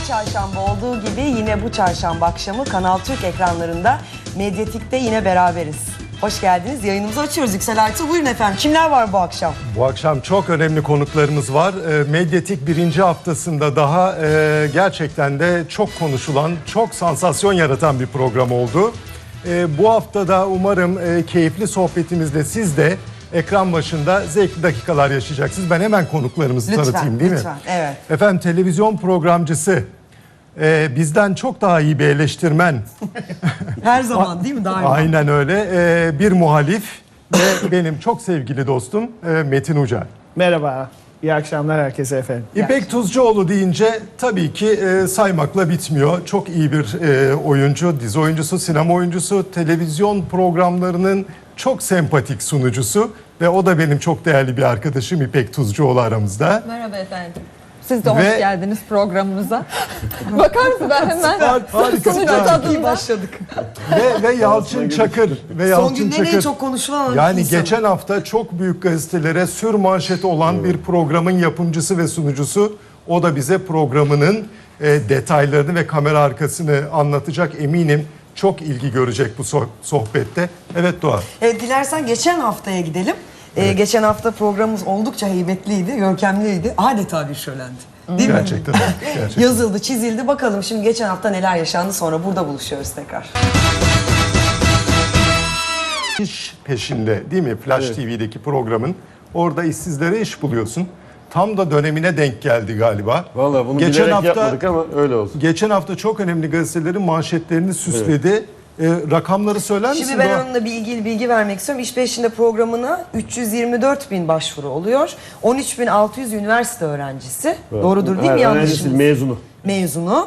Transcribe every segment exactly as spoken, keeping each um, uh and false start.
Her çarşamba olduğu gibi yine bu çarşamba akşamı Kanal Türk ekranlarında Medyatik'te yine beraberiz. Hoş geldiniz. Yayınımızı açıyoruz. Yüksel Aytu, buyurun efendim. Kimler var bu akşam? Bu akşam çok önemli konuklarımız var. E, Medyatik birinci haftasında daha e, gerçekten de çok konuşulan, çok sansasyon yaratan bir program oldu. E, bu haftada umarım e, keyifli sohbetimizde siz de ekran başında zevkli dakikalar yaşayacaksınız. Ben hemen konuklarımızı Lütfen, tanıtayım değil lütfen, mi? evet. Efendim, televizyon programcısı, e, bizden çok daha iyi bir eleştirmen. Her zaman değil mi? Daima. Aynen öyle. E, bir muhalif ve benim çok sevgili dostum e, Metin Ucar. Merhaba, iyi akşamlar herkese efendim. İpek Tuzcuoğlu deyince tabii ki e, saymakla bitmiyor. Çok iyi bir e, oyuncu, dizi oyuncusu, sinema oyuncusu, televizyon programlarının çok sempatik sunucusu ve o da benim çok değerli bir arkadaşım İpek Tuzcuoğlu aramızda. Merhaba efendim. Siz de hoş Ve- geldiniz programımıza. Bakar mısın, ben hemen harika, sunucu süper. İyi tadında. başladık. ve ve Yalçın Çakır ve Son Yalçın günlerin en Çakır. çok konuşulan Yani insanı. geçen hafta çok büyük gazetelere sür manşeti olan bir programın yapımcısı ve sunucusu. O da bize programının e, detaylarını ve kamera arkasını anlatacak, eminim. Çok ilgi görecek bu so- sohbette. Evet Doğa. Evet, dilersen geçen haftaya gidelim. Ee, geçen hafta programımız oldukça heybetliydi, görkemliydi. Adeta bir şölendi. Değil mi? Gerçekten. Gerçekten. Yazıldı, çizildi. Bakalım şimdi geçen hafta neler yaşandı, sonra burada buluşuyoruz tekrar. İş peşinde değil mi? Flash T V'deki programın. Orada işsizlere iş buluyorsun. Tam da dönemine denk geldi galiba. Vallahi bunu Geçen bilerek hafta- yapmadık ama öyle oldu. Geçen hafta çok önemli gazetelerin manşetlerini süsledi. Ee, rakamları söyler misin? Şimdi ben Doğa? onunla bir ilgili bilgi vermek istiyorum. İş Peşinde programına üç yüz yirmi dört bin başvuru oluyor. on üç bin altı yüz üniversite öğrencisi. Doğrudur değil mi? Ha, Yanlış öğrencisi, mı? mezunu. Mezunu.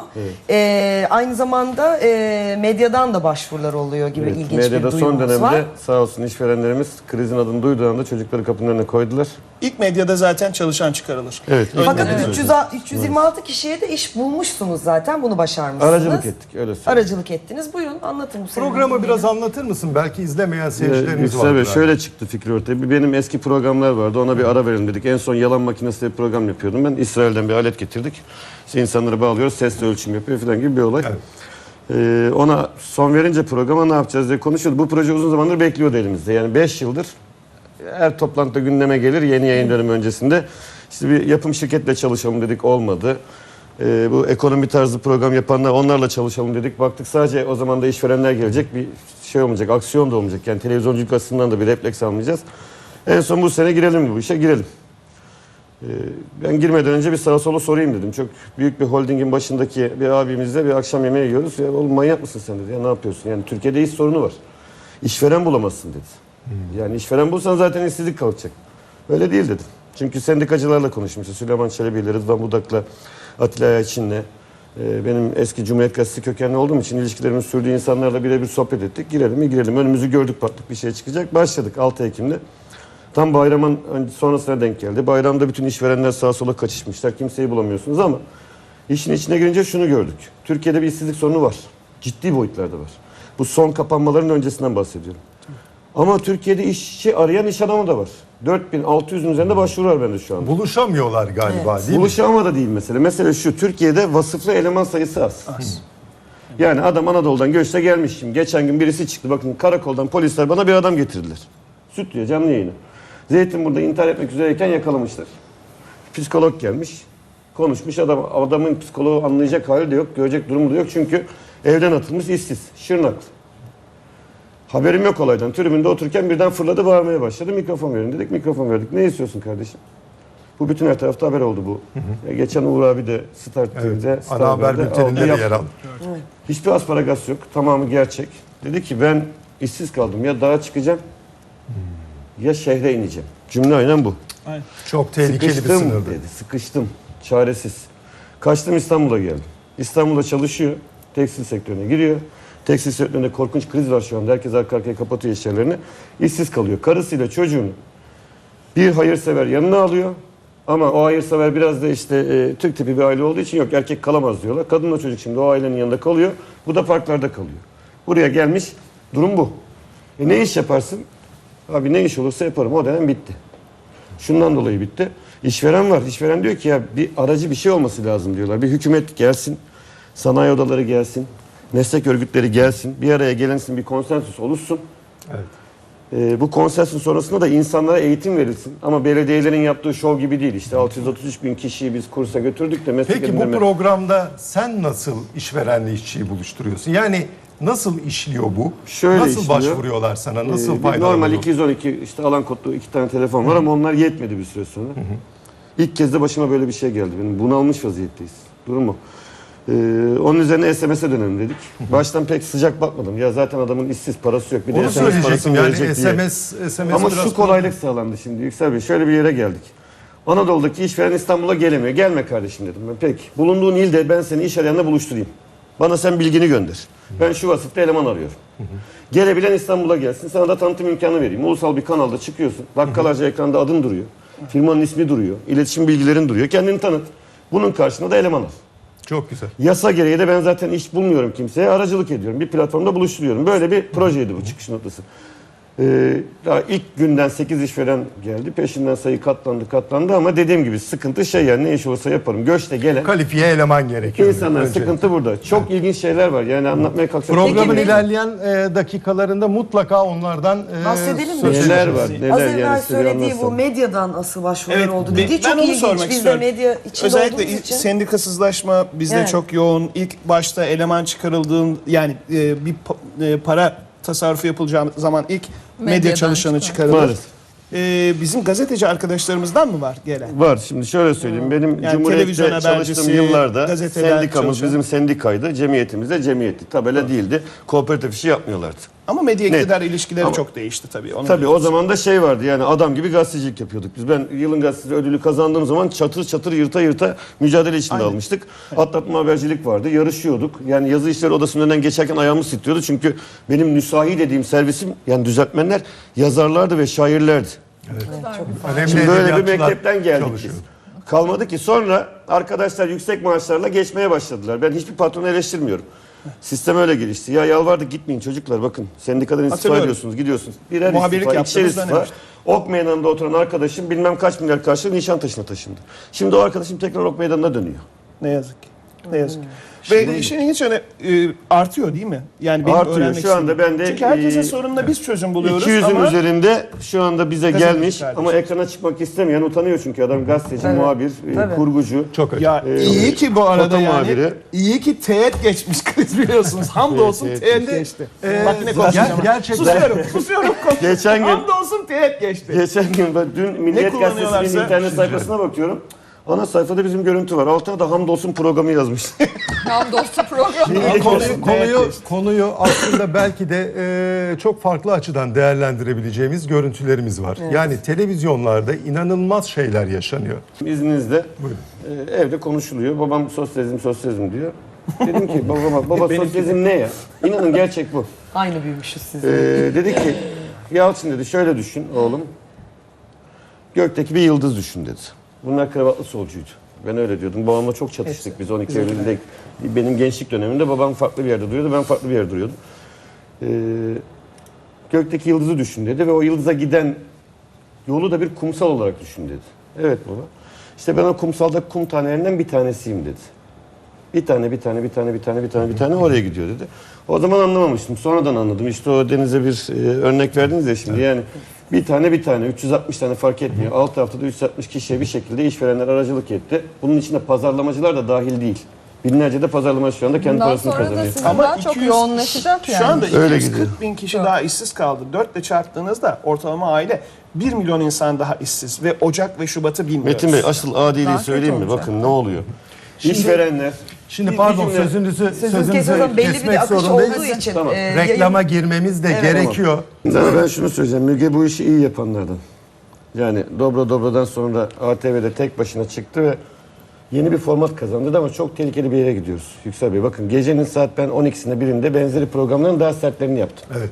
Ee, aynı zamanda e, medyadan da başvurular oluyor gibi Evet, ilginç medyada bir son duyumumuz dönemde var. sağ olsun işverenlerimiz krizin adını duyduğu anda çocukları kapının önüne koydular. İlk medyada zaten çalışan çıkarılır. Evet. ilk Fakat medyada üç yüz, üç yüz yirmi altı kişiye de iş bulmuşsunuz zaten. Bunu başarmışsınız. Aracılık ettik öyle söyleyeyim. Aracılık ettiniz. Buyurun anlatın bu senin Programı bilgileri. biraz anlatır mısın? Belki izlemeyen Ee, seyircilerimiz Yüksel Bey, vardır. şöyle çıktı fikri ortaya. Bir benim eski programlar vardı. Ona bir ara verelim dedik. En son yalan makinesi bir program yapıyordum ben. İsrail'den bir alet getirdik. İşte insanları bağlıyoruz. Sesle ölçüm yapıyor falan gibi bir olay. Evet. Ee, ona son verince programa ne yapacağız diye konuşuyordu. Bu proje uzun zamandır bekliyordu elimizde. Yani beş yıldır her toplantıda gündeme gelir yeni yayın dönemi öncesinde. İşte bir yapım şirketle çalışalım dedik, olmadı. Ee, bu ekonomi tarzı program yapanlar, onlarla çalışalım dedik. Baktık sadece o zaman da işverenler gelecek, bir şey olmayacak, aksiyon da olmayacak. Yani televizyonculuk açısından da bir refleks almayacağız. En son bu sene girelim bu işe, girelim. Ee, ben girmeden önce bir sağa sola sorayım dedim. Çok büyük bir holdingin başındaki bir abimizle bir akşam yemeği yiyoruz. Ya oğlum manyak mısın sen dedi. Ya ne yapıyorsun? Yani Türkiye'de iş sorunu var. İşveren bulamazsın dedi. Yani işveren bulsan zaten işsizlik kalkacak. Öyle değil dedim. Çünkü sendikacılarla konuşmuşuz. Süleyman Çelebi'yle, Rıdvan Budak'la, Atilla Ayçin'le. Ee, benim eski Cumhuriyet Gazetesi kökenli olduğum için ilişkilerimiz sürdüğü insanlarla birebir sohbet ettik. Girelim mi girelim. Önümüzü gördük, baktık bir şey çıkacak. Başladık altı Ekim'de. Tam bayramın sonrasına denk geldi. Bayramda bütün işverenler sağa sola kaçışmışlar. Kimseyi bulamıyorsunuz ama işin içine girince şunu gördük. Türkiye'de bir işsizlik sorunu var. Ciddi boyutlarda var. Bu son kapanmaların öncesinden bahsediyorum. Ama Türkiye'de işçi arayan iş adamı da var. dört bin altı yüzün üzerinde başvuru var bende şu anda. Buluşamıyorlar galiba değil mi? Buluşama da değil mesele. Mesele şu, Türkiye'de vasıflı eleman sayısı az. Az. Yani adam Anadolu'dan göçte gelmiş şimdi. Geçen gün birisi çıktı. Bakın karakoldan polisler bana bir adam getirdiler. Süt diyor, canlı yayını. Zeytinburnu'da intihar etmek üzereyken yakalamışlar. Psikolog gelmiş. Konuşmuş adam. Adamın psikoloğu anlayacak hali de yok. Görecek durumu da yok. Çünkü evden atılmış işsiz. Şırnaklı. Haberim yok olaydan. Tribünde otururken birden fırladı, bağırmaya başladı. Mikrofon verin dedik. Mikrofon verdik. Ne istiyorsun kardeşim? Bu bütün her tarafta haber oldu bu. Hı hı. Geçen Uğur abi de Star T V'de, Evet, Star ana haber Haber'de bülteninde de aldı, yer yaptı. aldı. Hiçbir asparagas yok. Tamamı gerçek. Dedi ki ben işsiz kaldım. Ya dağa çıkacağım ya şehre ineceğim. Cümle aynen bu. Aynen. Çok tehlikeli Sıkıştım bir sınırdı. dedi. Sıkıştım. Çaresiz. Kaçtım, İstanbul'a geldim. İstanbul'da çalışıyor. Tekstil sektörüne giriyor. Tekstil sektöründe korkunç kriz var şu anda. Herkes arka arkaya kapatıyor iş yerlerini. İşsiz kalıyor. Karısıyla çocuğunu bir hayırsever yanına alıyor. Ama o hayırsever biraz da işte e, Türk tipi bir aile olduğu için yok erkek kalamaz diyorlar. Kadınla çocuk şimdi o ailenin yanında kalıyor. Bu da parklarda kalıyor. Buraya gelmiş. Durum bu. E ne iş yaparsın? Abi ne iş olursa yaparım. O dönem bitti. Şundan dolayı bitti. İşveren var. İşveren diyor ki ya bir aracı bir şey olması lazım diyorlar. Bir hükümet gelsin, sanayi odaları gelsin, meslek örgütleri gelsin, bir araya gelinsin, bir konsensüs oluşsun. Evet. Ee, bu konsensüs sonrasında da insanlara eğitim verilsin. Ama belediyelerin yaptığı şov gibi değil. İşte altı yüz otuz üç bin kişiyi biz kursa götürdük de meslek Peki bu edindirme- programda sen nasıl işverenle işçiyi buluşturuyorsun? Yani nasıl işliyor bu? Şöyle nasıl işliyor. başvuruyorlar sana? Nasıl Ee, bir faydalanıyor? normal iki yüz on iki işte alan kodlu iki tane telefon var ama onlar yetmedi bir süre sonra. İlk kez de başıma böyle bir şey geldi. Benim bunalmış vaziyetteyiz. Durum o. Ee, onun üzerine S M S'e dönelim dedik. Baştan pek sıcak bakmadım. Ya zaten adamın işsiz, parası yok. Bir de Onu S M S söyleyecektim parasını yani verecek S diye. M S, S M S Ama biraz şu kolaylık sağlandı şimdi Yüksel Bey. Şöyle bir yere geldik. Anadolu'daki işveren İstanbul'a gelemiyor. Gelme kardeşim dedim ben. Peki. Bulunduğun ilde ben seni iş arayanla buluşturayım. Bana sen bilgini gönder. Ben şu vasıfta eleman arıyorum. Gelebilen İstanbul'a gelsin. Sana da tanıtım imkanı vereyim. Ulusal bir kanalda çıkıyorsun. Dakikalarca ekranda adın duruyor. Firmanın ismi duruyor. İletişim bilgilerin duruyor. Kendini tanıt. Bunun karşılığında da eleman al. Çok güzel. Yasa gereği de ben zaten iş bulmuyorum kimseye. Aracılık ediyorum. Bir platformda buluşturuyorum. Böyle bir projeydi bu çıkış noktası. Ee, daha ilk günden sekiz işveren geldi. Peşinden sayı katlandı katlandı ama dediğim gibi sıkıntı şey yani ne iş olursa yaparım. Göçte gelen Kalifiye eleman gerekiyor. insanların Önce. sıkıntı burada. Çok ilginç şeyler var. Yani anlatmaya kalksak. Programın Peki, ilerleyen e, dakikalarında mutlaka onlardan e, Bahsedelim mi? söz Neler edeceğiz. var neler Az evvel yani size bir söylediği bu anlatsam. medyadan asıl başvurular Evet, oldu be- dediği ben çok onu ilginç. sormak Biz istiyorum. de medya içinde Özellikle olduğumuz için. sendikasızlaşma bizde Evet. çok yoğun. İlk başta eleman çıkarıldığın yani e, bir pa- e, para tasarrufu yapılacağı zaman ilk medya Medyadan çalışanı çıkar. çıkarılır. Maalesef. E, bizim gazeteci arkadaşlarımızdan mı var gelen? Var. Şimdi şöyle söyleyeyim. Benim Yani Cumhuriyet'te televizyon çalıştığım habercisi, yıllarda gazeteler sendikamız çalışan. bizim sendikaydı. Cemiyetimiz de cemiyetti. Tabela değildi. Kooperatif işi yapmıyorlardı. Ama medya Net. iktidar ilişkileri Ama- çok değişti tabii. Onu Tabii o zaman da şey vardı yani adam gibi gazetecilik yapıyorduk. Biz ben yılın gazetesi ödülü kazandığım zaman çatır çatır yırta yırta mücadele içinde Aynen. almıştık. Atlatma habercilik vardı. Yarışıyorduk. Yani yazı işleri odasının önünden geçerken ayağımız titriyordu. Çünkü benim nüsahi dediğim servisim yani düzeltmenler yazarlardı ve şairlerdi. Önemli Şimdi böyle bir edebiyatçılar mektepten geldik çalışıyor. biz. Kalmadı ki sonra arkadaşlar yüksek maaşlarla geçmeye başladılar. Ben hiçbir patronu eleştirmiyorum. Sistem öyle gelişti. Ya yalvardık gitmeyin çocuklar bakın. Sendikadan istifa Hatırlıyorum. ediyorsunuz gidiyorsunuz. Birer Muhabirlik istifa, ikişer yaptığımız istifa. dönem işte. Ok meydanında oturan arkadaşım bilmem kaç milyar karşılığı Nişantaşı'na taşındı. Şimdi o arkadaşım tekrar Ok meydanına dönüyor. Ne yazık ki. Ne yazık ki. Ve işin ilginç yanı e, artıyor değil mi? Yani benim Artıyor. öğrenmek Şu anda istediğim. ben de, Çünkü herkesin e, sorununa biz çözüm buluyoruz iki yüzün ama üzerinde şu anda bize Gazeteci gelmiş kardeşim. ama ekrana çıkmak istemeyen utanıyor çünkü adam gazeteci, Tabii. muhabir, e, Tabii. kurgucu. Çok acı. ya Ee, iyi ki bu arada foto yani muhabiri. iyi ki teğet geçmiş kriz biliyorsunuz. Hamdolsun Evet, teğet evet. geçti. Ee, Bak yine ger- konuşacağım. gerçekten- Susuyorum, susuyorum. Geçen gün- Hamdolsun teğet geçti. Geçen gün ben dün Milliyet kullanıyorlarsa- Gazetesi'nin internet sayfasına bakıyorum. Ana sayfada bizim görüntü var. Altına da hamdolsun programı yazmış. Hamdolsun programı. Konuyu, konuyu, konuyu aslında belki de e, çok farklı açıdan değerlendirebileceğimiz görüntülerimiz var. Yani televizyonlarda inanılmaz şeyler yaşanıyor. İzninizle Buyurun. e, evde konuşuluyor. Babam sosyalizm sosyalizm diyor. Dedim ki babama baba sosyalizm ne ya? İnanın gerçek bu. Aynı büyümüşüz siz. Ee, dedi ki Yalçın dedi şöyle düşün oğlum. Gökteki bir yıldız düşün dedi. Bunlar kravatlı solcuydu. Ben öyle diyordum. Babamla çok çatıştık biz on iki Eylül'de. Benim gençlik döneminde babam farklı bir yerde duruyordu. Ben farklı bir yerde duruyordum. Ee, gökteki yıldızı düşün dedi ve o yıldıza giden yolu da bir kumsal olarak düşün dedi. Evet baba. İşte ben o kumsalda kum tanelerinden bir tanesiyim dedi. Bir tane, bir tane, bir tane, bir tane, bir tane, bir tane oraya gidiyor dedi. O zaman anlamamıştım. Sonradan anladım. İşte o Deniz'e bir e, örnek verdiniz ya şimdi. Yani bir tane, bir tane, üç yüz altmış tane fark etmiyor. Altı haftada üç yüz altmış kişiye bir şekilde işverenler aracılık etti. Bunun içinde pazarlamacılar da dahil değil. Binlerce de pazarlamacı şu anda kendi Bundan parasını sonra da kazanıyor. sizin Ama daha çok iki yüz yoğunlaşacak yani. Şu anda Öyle iki yüz kırk gidiyor. bin kişi daha işsiz kaldı. dörtle çarptığınızda ortalama aile bir milyon insan daha işsiz ve Ocak ve Şubat'ı bilmiyoruz. Metin Bey asıl adiliği Daha kötü söyleyeyim mi? olacak. Bakın ne oluyor? İşverenler Şimdi Bir- pardon bir cümle- sözünüzü, Sözünüz sözünüzü kesiyorsan belli bir kesmek akış zorundayız. olduğu için. Tamam. e, Reklama yayın- girmemiz de Evet. gerekiyor. Ama ben şunu söyleyeceğim. Müge bu işi iyi yapanlardan. Yani Dobra Dobra'dan sonra A T V'de tek başına çıktı ve yeni bir format kazandırdı ama çok tehlikeli bir yere gidiyoruz. Yüksel Bey bakın gecenin saat ben on ikisinde birinde benzeri programların daha sertlerini yaptım. Evet.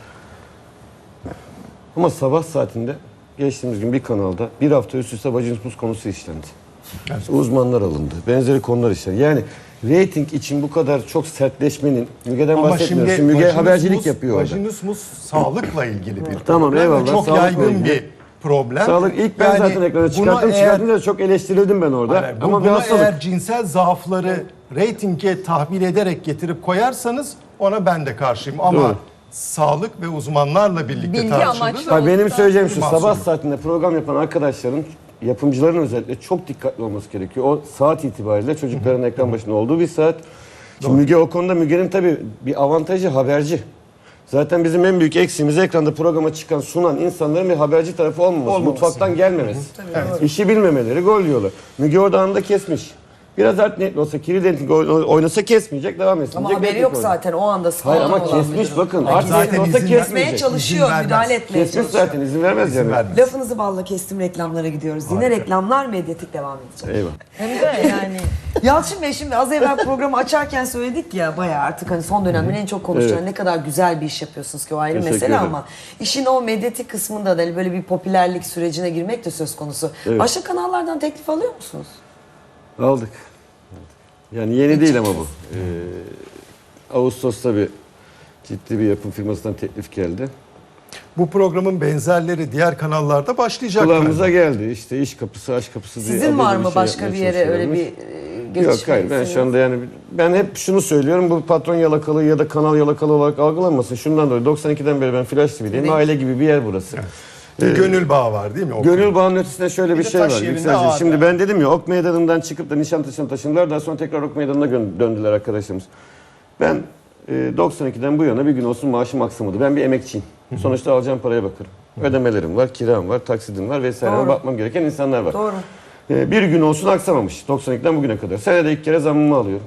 Ama sabah saatinde geçtiğimiz gün bir kanalda bir hafta üst üste vajinismus konusu işlendi. Uzmanlar alındı. Benzeri konular işlendi. Yani reyting için bu kadar çok sertleşmenin Müge'den Ama bahsetmiyoruz. şimdi Şimdi Müge vajinismus- habercilik yapıyor orada. Vajinismus sağlıkla ilgili bir Tamam, problem ve eyvallah, çok sağlıkla yaygın ilgili. bir problem. Sağlık ilk ben Yani zaten ekrana buna çıkarttım. eğer- Çıkartınca çok eleştirildim ben orada. Hayır, bu- Ama bir buna hastalık. eğer cinsel zaafları reytinge tahvil ederek getirip koyarsanız ona ben de karşıyım. Ama Doğru. sağlık ve uzmanlarla birlikte Bilgi tartışılır. amaçlı. Ha, benim söyleyeceğim şu, Mahsur. sabah saatinde program yapan arkadaşların, yapımcıların özellikle çok dikkatli olması gerekiyor. O saat itibariyle çocukların ekran başında olduğu bir saat. Şimdi Müge o konuda, Müge'nin tabii bir avantajı haberci. Zaten bizim en büyük eksiğimiz ekranda programa çıkan, sunan insanların bir haberci tarafı olmaması, Olmaması. mutfaktan gelmemesi. İşi bilmemeleri, gol yiyorlar. Müge orada anında kesmiş. Biraz art niyetli olsa, kirli denetik oynasa kesmeyecek, devam etsin. Ama haberi yok zaten o anda. Hayır ama olan kesmiş müdürün. bakın. Hayır, Art zaten niyetli olsa izin kesmeye kesmeyecek. çalışıyor, İzin müdahale vermez. etmeye Kesmiş çalışıyor. zaten, izin vermez yani. vermez. Lafınızı balla kestim, reklamlara gidiyoruz. Yine reklamlar, medyatik devam edecek. Eyvah. Hem de yani Yalçın Bey, şimdi az evvel programı açarken söyledik ya, bayağı artık hani son dönemlerin en çok konuşulan Evet. ne kadar güzel bir iş yapıyorsunuz ki, o ayrı Teşekkür mesele ederim. ama işin o medyatik kısmında da hani böyle bir popülerlik sürecine girmek de söz konusu. Evet. Başka kanallardan teklif alıyor musunuz? Aldık. Yani yeni değil ama bu. Ee, Ağustos'ta bir ciddi bir yapım firmasından teklif geldi. Bu programın benzerleri diğer kanallarda başlayacak. Kulağımıza geldi. İşte iş kapısı, aşk kapısı diye. Sizin abuk var bir mı şey başka yapmaya bir yere öyle çalışıyorlarmış. bir e, geçiş? Yok hayır, ben şu anda yani ben hep şunu söylüyorum, bu patron yalakalığı ya da kanal yalakalı olarak algılanmasın. Şundan dolayı doksan ikiden beri ben Flash T V'deyim. Evet. Aile gibi bir yer burası. Bir gönül bağı var değil mi? O Gönül bağının ötesinde şöyle bir, Bir de şey taş var. yerinde Yükselci. ağır Şimdi yani. ben dedim ya, Ok Meydanı'ndan çıkıp da Nişantaşı'na taşındılar. Daha sonra tekrar Ok Meydanı'na gö- döndüler arkadaşlarımız. Ben e, doksan ikiden bu yana bir gün olsun maaşım aksamadı. Ben bir emekçiyim. Sonuçta alacağım paraya bakarım. Ödemelerim var, kiram var, taksidim var vesaire. Doğru. Bakmam gereken insanlar var. Doğru. E, bir gün olsun aksamamış doksan ikiden bugüne kadar. Senede ilk kere zammımı alıyorum.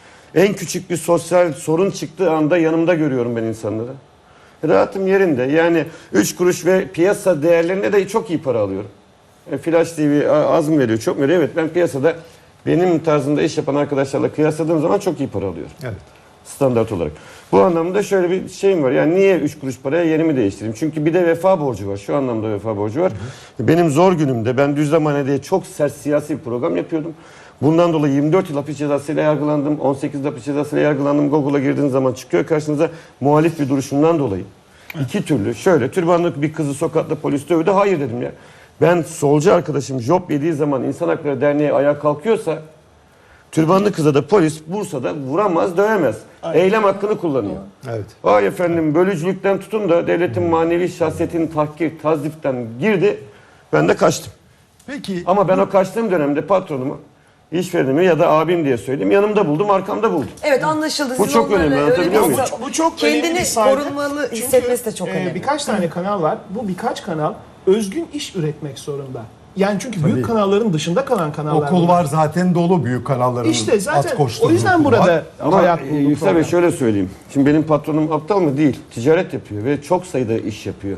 En küçük bir sosyal sorun çıktığı anda yanımda görüyorum ben insanları. Rahatım yerinde. Yani üç kuruş ve piyasa değerlerine de çok iyi para alıyorum. E, Flash T V az mı veriyor, çok mu veriyor? Evet, ben piyasada benim tarzımda iş yapan arkadaşlarla kıyasladığım zaman çok iyi para alıyorum. Evet. Standart olarak. Bu anlamda şöyle bir şeyim var. Yani niye üç kuruş paraya yerimi değiştireyim? Çünkü bir de vefa borcu var. Şu anlamda vefa borcu var. Hı hı. Benim zor günümde ben Düzlemhane diye çok sert siyasi bir program yapıyordum. Bundan dolayı yirmi dört yıl hapis cezasıyla yargılandım. on sekiz yıl hapis cezasıyla yargılandım. Google'a girdiğiniz zaman çıkıyor karşınıza muhalif bir duruşumdan dolayı. İki türlü şöyle türbanlı bir kızı sokakta polis dövdü. Hayır dedim ya. Ben solcu arkadaşım job yediği zaman İnsan Hakları Derneği ayağa kalkıyorsa türbanlı kıza da polis Bursa'da vuramaz, dövemez. Eylem hakkını kullanıyor. Evet. Vay efendim, bölücülükten tutun da devletin manevi şahsiyetini tahkir, tazdiften girdi. Ben de kaçtım. Peki Ama ben o kaçtığım dönemde patronumu, işverenimi ya da abim diye söyleyeyim, yanımda buldum, arkamda buldum. Evet, anlaşıldı. Bu Siz çok onlarla önemli, öyle anlatabiliyor bir- muyum? Bu çok önemli kendini bir sayede. korunmalı Çünkü, hissetmesi de çok e, önemli. birkaç tane kanal var. Bu birkaç kanal özgün iş üretmek zorunda. Yani çünkü büyük kanalların dışında kalan kanallar. okul var zaten dolu, büyük kanalların İşte zaten at koşturduğu o yüzden okul burada var. Ama hayat e, buldu Yüksel Bey program. şöyle söyleyeyim. Şimdi benim patronum aptal mı? Değil. Ticaret yapıyor ve çok sayıda iş yapıyor.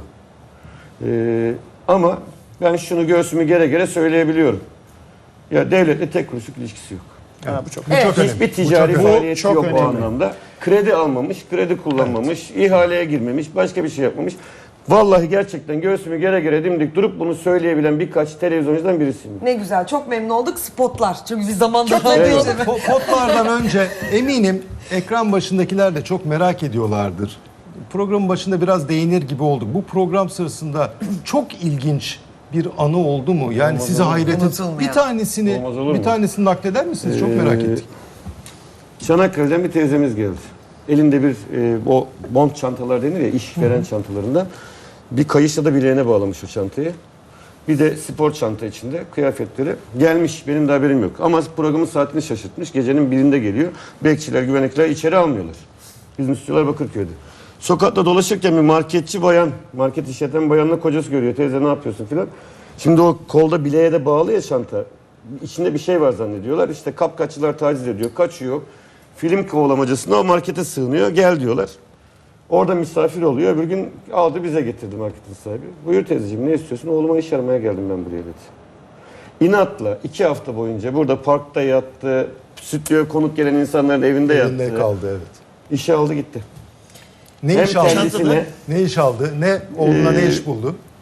Ee, ama ben şunu göğsümü gere gere söyleyebiliyorum. Ya devletle tek kuruşluk ilişkisi yok. Ha, bu çok Bu çok önemli. Hiçbir Bu ticari çok önemli. faaliyeti çok yok o önemli. anlamda. Kredi almamış, kredi kullanmamış, ihaleye girmemiş, başka bir şey yapmamış. Vallahi gerçekten göğsümü gere gere dimdik durup bunu söyleyebilen birkaç televizyoncudan birisiyim. Ne güzel, çok memnun olduk. Spotlar. Çünkü biz zamanda Eyvallah. Po- Potlardan önce eminim ekran başındakiler de çok merak ediyorlardır. Programın başında biraz değinir gibi olduk. Bu program sırasında çok ilginç bir anı oldu mu? Yani sizi hayret et. Unutulmayan. Bir tanesini Olmaz olur bir mu? tanesini nakleder misiniz? Çok merak Ee, ettik. Çanakkale'den bir teyzemiz geldi. Elinde bir e, o bond çantalar denir ya, işveren çantalarından. Bir kayışla da bileğine bağlamış o çantayı. Bir de spor çanta içinde kıyafetleri. Gelmiş, benim de haberim yok. Ama programın saatini şaşırtmış. Gecenin birinde geliyor. Bekçiler, güvenlikler içeri almıyorlar. Bizim stüdyolar Bakırköy'de. Sokakta dolaşırken bir marketçi bayan, market işleten bayanla kocası görüyor. Teyze ne yapıyorsun filan. Şimdi o kolda bileğe de bağlı ya çanta. İçinde bir şey var zannediyorlar. İşte kapkaççılar taciz ediyor, kaçıyor. Film kovalamacasında o markete sığınıyor. Gel diyorlar. Orada misafir oluyor. Öbür gün aldı bize getirdi marketin sahibi. Buyur teyzeciğim, ne istiyorsun? Oğluma iş aramaya geldim ben buraya dedi. İnatla iki hafta boyunca burada parkta yattı. Stüdyoya konuk gelen insanların evinde Elinde yattı. kaldı, evet. İşe aldı gitti. Ne Hem iş aldı? kendisine- Ne iş aldı? Ne oğluna ne Ee, iş buldu?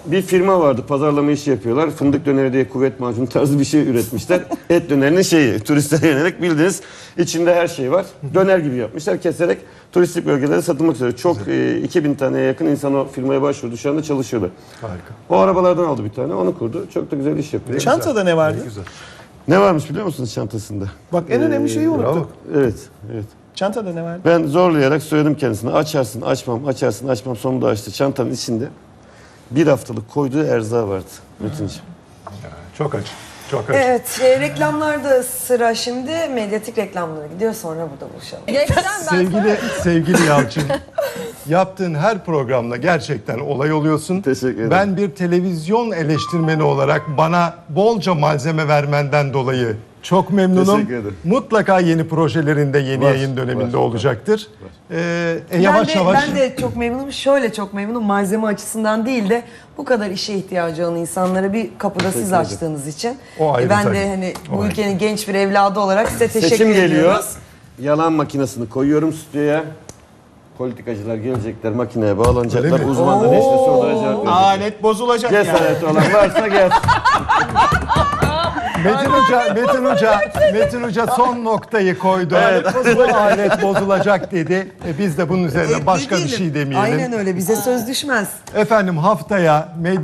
bir firma vardı, pazarlama işi yapıyorlar. Fındık döneri diye kuvvet macunu tarzı bir şey üretmişler. Et dönerinin şeyi, turistlere yönelik bildiğiniz içinde her şey var. Döner gibi yapmışlar, keserek turistik bölgelere satılmak üzere. Çok e, iki bin taneye yakın insan o firmaya başvurdu, şu anda çalışıyordu. Harika. O arabalardan aldı bir tane, onu kurdu. Çok da güzel iş yapıyor. Çantada ne vardı? Ne güzel. Ne varmış biliyor musunuz çantasında? Bak en önemli şeyi unuttuk. Evet, evet. Çantada ne vardı? Ben zorlayarak söyledim kendisine. Açarsın, açmam, açarsın, açmam. Sonunda açtı. Çantanın içinde bir haftalık koyduğu erzağı vardı Metin'ciğim. Çok acı. Çok acı. Evet, e, reklamlarda sıra şimdi. Medyatik reklamlara gidiyor, sonra burada buluşalım. Geçten ben Sevgili sevgili Yalçın, yaptığın her programda gerçekten olay oluyorsun. Teşekkür ederim. Ben bir televizyon eleştirmeni olarak bana bolca malzeme vermenden dolayı çok memnunum. Teşekkür ederim. Mutlaka yeni projelerinde, yeni Var, yayın döneminde var, olacaktır. Ee, e, Ben yavaş de, yavaş. ben de çok memnunum. Şöyle çok memnunum. Malzeme açısından değil de bu kadar işe ihtiyacı olan insanlara bir kapıda siz ederim. açtığınız için. O ayrı E, ben tabii. de hani O bu ayrı. ülkenin genç bir evladı olarak size teşekkür Seçim ediyoruz. geliyor. Yalan makinesini koyuyorum stüdyoya. Politikacılar gelecekler, makineye bağlanacaklar. Öyle mi? Uzmanlar işte sorulara cevap verecek. Alet bozulacak yani. Cesareti olan varsa gelsin. Metin Hoca, Metin Hoca, Metin Hoca son noktayı koydu. Bu alet bozulacak dedi. E, biz de bunun üzerine E, başka bir demeyelim. şey demeyelim. Aynen öyle. Bize söz düşmez. Efendim haftaya